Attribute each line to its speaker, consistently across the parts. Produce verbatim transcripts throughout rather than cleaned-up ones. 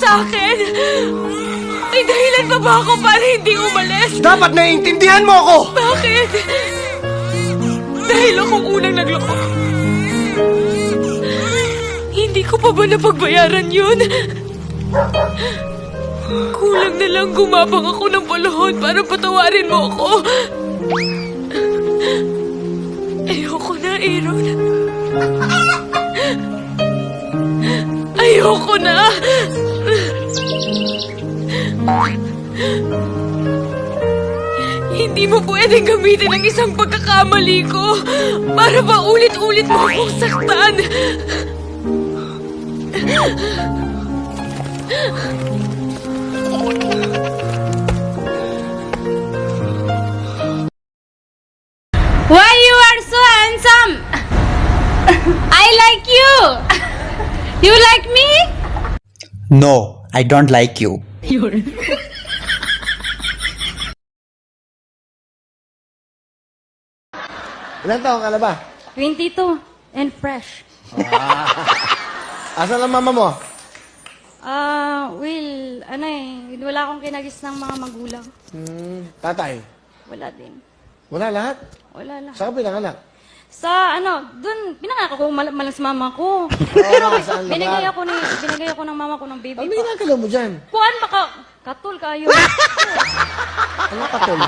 Speaker 1: sa akin? May dahilan pa ba ako para hindi umalis?
Speaker 2: Dapat naiintindihan mo ako!
Speaker 1: Bakit? Dahil akong unang nagloko. Hindi ko pa ba napagbayaran yun? Kulang na lang gumabang ako ng paluhod para patawarin mo ako. Ayoko na, Aaron. Ayoko na. Hindi mo pwedeng gamitin ang isang pagkakamali ko para pa ulit-ulit mo akong saktan.
Speaker 3: Why you are so handsome? I like you. You like me?
Speaker 4: No, I don't like you.
Speaker 2: Ilan taong ka na ba?
Speaker 3: twenty-two and fresh.
Speaker 2: Asan ang mama mo?
Speaker 3: Ah, Will, ano eh, wala akong kinagis ng mga magulang.
Speaker 2: Hmm, tatay.
Speaker 3: Wala din.
Speaker 2: Wala lahat?
Speaker 3: Wala lang.
Speaker 2: Saan ka pinanganak?
Speaker 3: Sa ano, dun, pinangako ko mal malas mama ko. Pero
Speaker 2: Oo, saan lugar?
Speaker 3: binigay ako ni binigay ako ng mama ko ng baby
Speaker 2: Ano
Speaker 3: pa.
Speaker 2: ginagalaw mo dyan?
Speaker 3: Kuan baka katul kayo.
Speaker 2: Ano katol?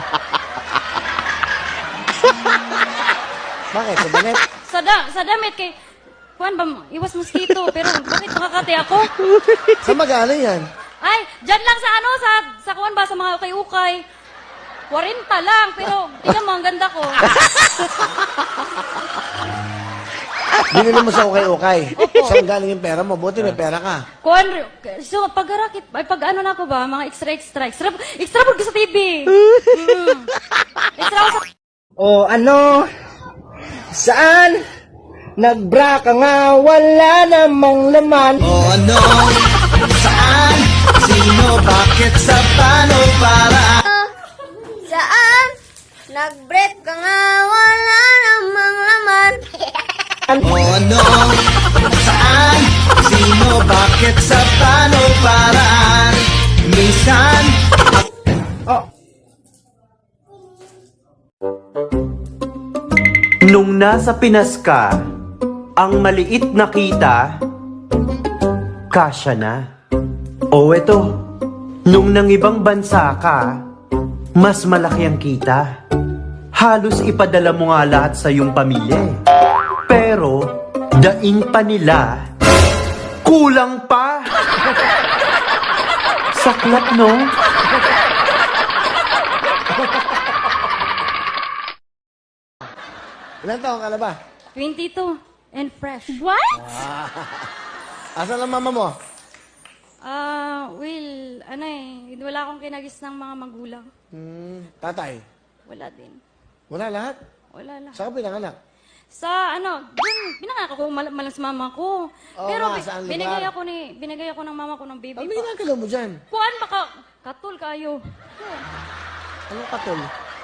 Speaker 2: Bakit? Sa damit?
Speaker 3: sa da, sa damit kay kuan ba iwas mosquito pero bakit nakakati ako?
Speaker 2: Saan magaling yan?
Speaker 3: Ay, dyan lang sa ano sa sa kuan ba sa mga ukay-ukay. forty lang pero tingnan mo ang ganda ko.
Speaker 2: Binili mo sa ukay-ukay. Saan galing yung pera mo? Buti may pera ka.
Speaker 3: Kuan so paggarakit ay pag ano na ko ba mga extra extra extra extra po sa T V. Mm. Extra ako sa
Speaker 5: O ano? Saan? Nagbra ka nga, wala namang laman.
Speaker 4: O ano? Saan? Sino? Bakit? Sa paano? Para?
Speaker 6: Saan? Nag-break ka nga, wala namang laman.
Speaker 4: O ano? Saan? Sino? Bakit? Sa paano? Para? Minsan?
Speaker 5: Oh,
Speaker 7: Nung nasa Pinas ka, ang maliit na kita, kasya na. O eto, nung nang ibang bansa ka, mas malaki ang kita. Halos ipadala mo nga lahat sa iyong pamilya. eh. Pero, daing pa nila, kulang pa. Saklap, no?
Speaker 2: Ilan taong ka na ba?
Speaker 3: twenty-two and fresh.
Speaker 1: What?
Speaker 2: Asan ang mama mo?
Speaker 3: Ah, Will, ano eh, wala akong kinagis ng mga magulang.
Speaker 2: Hmm, tatay.
Speaker 3: Wala din.
Speaker 2: Wala lahat?
Speaker 3: Wala lang.
Speaker 2: Saan ka pinanganak?
Speaker 3: Sa ano, dun, pinangako ko mal malas mama ko.
Speaker 2: Oo
Speaker 3: Pero
Speaker 2: nga,
Speaker 3: bi-
Speaker 2: saan lugar?
Speaker 3: binigay ako ni binigay ako ng mama ko ng baby
Speaker 2: Ano
Speaker 3: pa.
Speaker 2: ginagalaw mo dyan?
Speaker 3: Kuan baka katul kayo.
Speaker 2: Anong katol?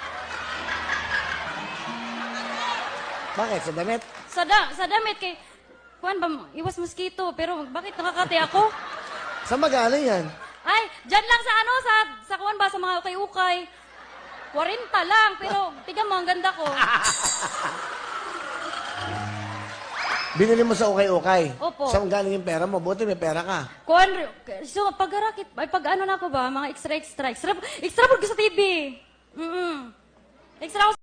Speaker 2: Bakit? Sa damit?
Speaker 3: Sa da, sa damit kay kuan ba iwas mosquito pero bakit nakakati ako?
Speaker 2: Saan magaling yan?
Speaker 3: Ay, dyan lang sa ano sa sa kuan ba sa mga ukay-ukay. forty lang pero tingnan mo ang ganda ko.
Speaker 2: Binili mo sa ukay-ukay.
Speaker 3: Opo.
Speaker 2: Saan galing yung pera mo? Buti may pera ka.
Speaker 3: Kuan so paggarakit ay pag ano na ko ba mga extra extra extra extra po sa T V. Mm. Extra ako sa